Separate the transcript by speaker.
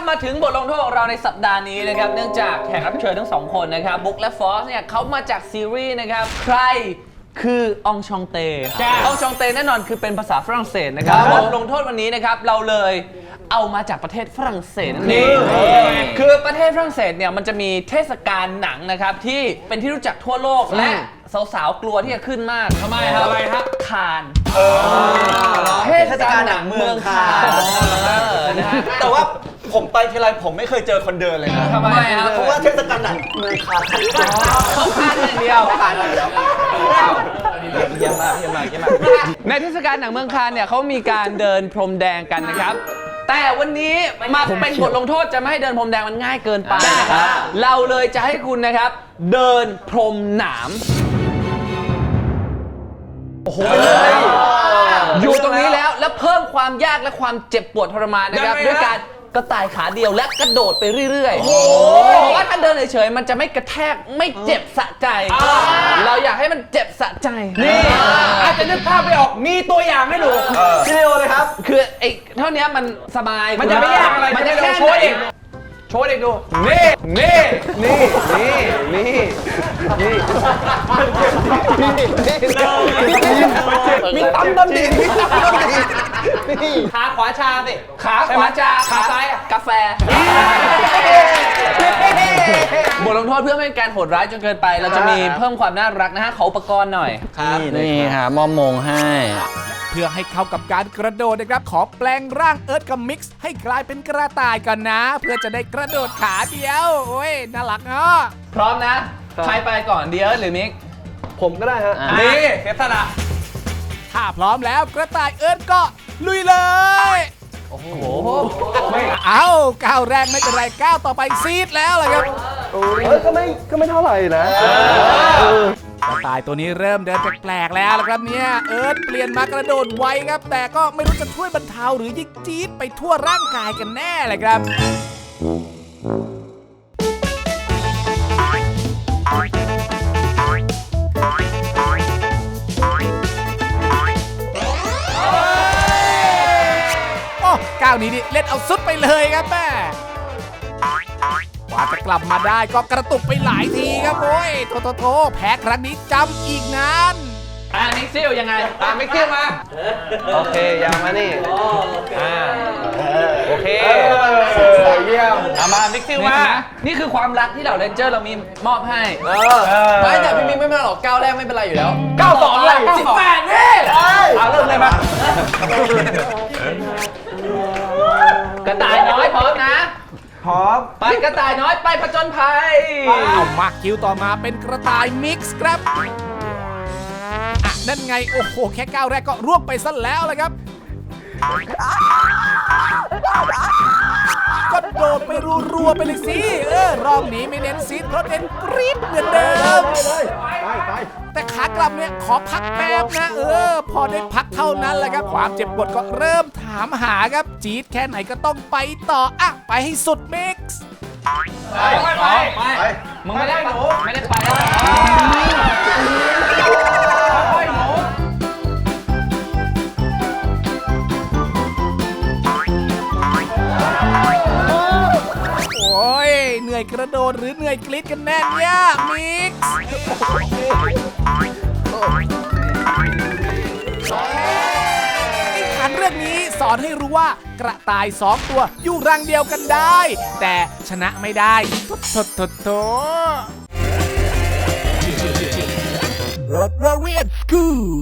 Speaker 1: มาถึงบทลงโทษของเราในสัปดาห์นี้นะครับเนื่องจากแขกรับเชิญทั้งสองคนนะครับบุ๊กและฟอสเนี่ยเขามาจากซีรีส์นะครับใครคือองชองเตองชองเตแน่นอนคือเป็นภาษาฝรั่งเศสนะครับบทลงโทษวันนี้นะครับเราเลยเอามาจากประเทศฝรั่งเศสนั่นเองคือประเทศฝรั่งเศสเนี่ยมันจะมีเทศกาลหนังนะครับที่เป็นที่รู้จักทั่วโลกและสาวๆกลัวที่จะขึ้นมากทำไมครับอะไรครับคานเทศกาลหนังเมืองคาน
Speaker 2: แต่ว่าผมไปทีไรผมไม่เคยเจอคนเดินเลยนะ
Speaker 1: ทำไมครับ
Speaker 2: เพราะว่าเทศกาลหนังเมืองคาน
Speaker 1: เขาคานอย่างเดียวเยี่ยมมากในเทศกาลหนังเมืองคานเนี่ยเขามีการเดินพรมแดงกันนะครับแต่วันนี้มาเป็นบทลงโทษจะไม่ให้เดินพรมแดงมันง่ายเกินไปนะครับเราเลยจะให้คุณนะครับเดินพรมหนามโอ้โหอยู่ตรงนี้แล้วเพิ่มความยากและความเจ็บปวดทรมานนะครับด้วยการกระต่ายขาเดียวและกระโดดไปเรื่อยๆเพราะว่าถ้าเดินเฉยๆมันจะไม่กระแทกไม่เจ็บสะใจเราอยากให้มันเจ็บสะใจ
Speaker 3: นี่อาจจะนึกภาพไม่ออกมีตัวอย่างให้ดู
Speaker 2: วิดีโอเลยครับ
Speaker 1: คือไอ้เท่านี้มันสบาย
Speaker 3: มันจะไม่ยากอะไร
Speaker 1: มันจะแค่
Speaker 3: โชว์เด็กดูนี่มีตั้มดำดิขาขวาชาสิ
Speaker 1: ขาขวาชา
Speaker 3: ขาซ้าย
Speaker 1: กาแฟบทลงโทษเพื่อไม่ให้การโหดร้ายจนเกินไปเราจะมีเพิ่มความน่ารักนะฮะขออุปกรณ์หน่อย
Speaker 4: นี่ค่ะมอมงให้
Speaker 5: เพื่อให้เข้ากับการกระโดดนะครับขอแปลงร่างเอิร์ธกับมิกซ์ให้กลายเป็นกระต่ายก่อนนะเพื่อจะได้กระโดดขาเดียวโอ้ยน่ารักเนาะ
Speaker 1: พร้อมนะใครไปก่อนเดียร์หรือมิก
Speaker 2: ผมก็ได้ฮะ
Speaker 3: นี่เทสละ
Speaker 5: ถ้าพร้อมแล้วกระต่ายเอิร์ธก็ลุยเลยโอ้โหเอาก้าวแรกไม่เป็นไรก้าวต่อไปซีดแล้วเลยครับ
Speaker 2: ก็ไม่เท่าไหร่นะ
Speaker 5: กระต่ายตัวนี้เริ่มเดินแปลกๆแล้วครับเนี่ยเอิร์ธเปลี่ยนมากระโดดไวครับแต่ก็ไม่รู้จะช่วยบรรเทาหรือยิ่งจี๊ดไปทั่วร่างกายกันแน่เลยครับก้าวนี้นี่เล่นเอาสุดไปเลยครับแม่กว่าจะกลับมาได้ก็กระตุกไปหลายทีครับโอ้ยโถแพ้ครั้งนี้จำอีกนาน
Speaker 1: มิกซิลยังไง
Speaker 3: มิกซิลมา
Speaker 2: โอเคยาวมานี่
Speaker 3: โอเค
Speaker 2: เยี่ยม
Speaker 3: มามิกซิลมา
Speaker 1: นี่คือความรักที่เหล่าเรนเจอร์เรามีมอบให้
Speaker 2: ไม่แต่พี่มิกไม่เป็นหรอกก้าวแรกไม่เป็นไรอยู่แล้ว
Speaker 3: 92เลย18นี่เริ่มเลยมาก
Speaker 1: ระต่ายน้อยพร้อมนะ
Speaker 2: พร้อม
Speaker 1: ไปกระต่ายน้อยไปผจญภัย
Speaker 5: เอามาคิวต่อมาเป็นกระต่ายมิกซ์ครับนั่นไงโอ้โหแค่ก้าวแรกก็ร่วงไปซะแล้วเลยครับก็โดดไปรัวๆไปเลยสิรอบนี้ไม่เน้นซีดเพราะเน้นกรี๊ดเหมือนเดิมแต่ขากลับเนี่ยขอพักแป๊บนะพอได้พักเท่านั้นแหละครับความเจ็บปวดก็เริ่มถามหาครับจี๊ดแค่ไหนก็ต้องไปต่อไปให้สุดมิกซ์
Speaker 1: ไปมึงไม่ได้ไปแล้ว
Speaker 5: โอ้ยเหนื่อยกระโดดหรือเหนื่อยกรี๊ดกันแน่เนี่ยมิกซ์นิทานเรื่องนี้สอนให้รู้ว่ากระต่าย2ตัวอยู่รังเดียวกันได้แต่ชนะไม่ได้โถรถเรียนกู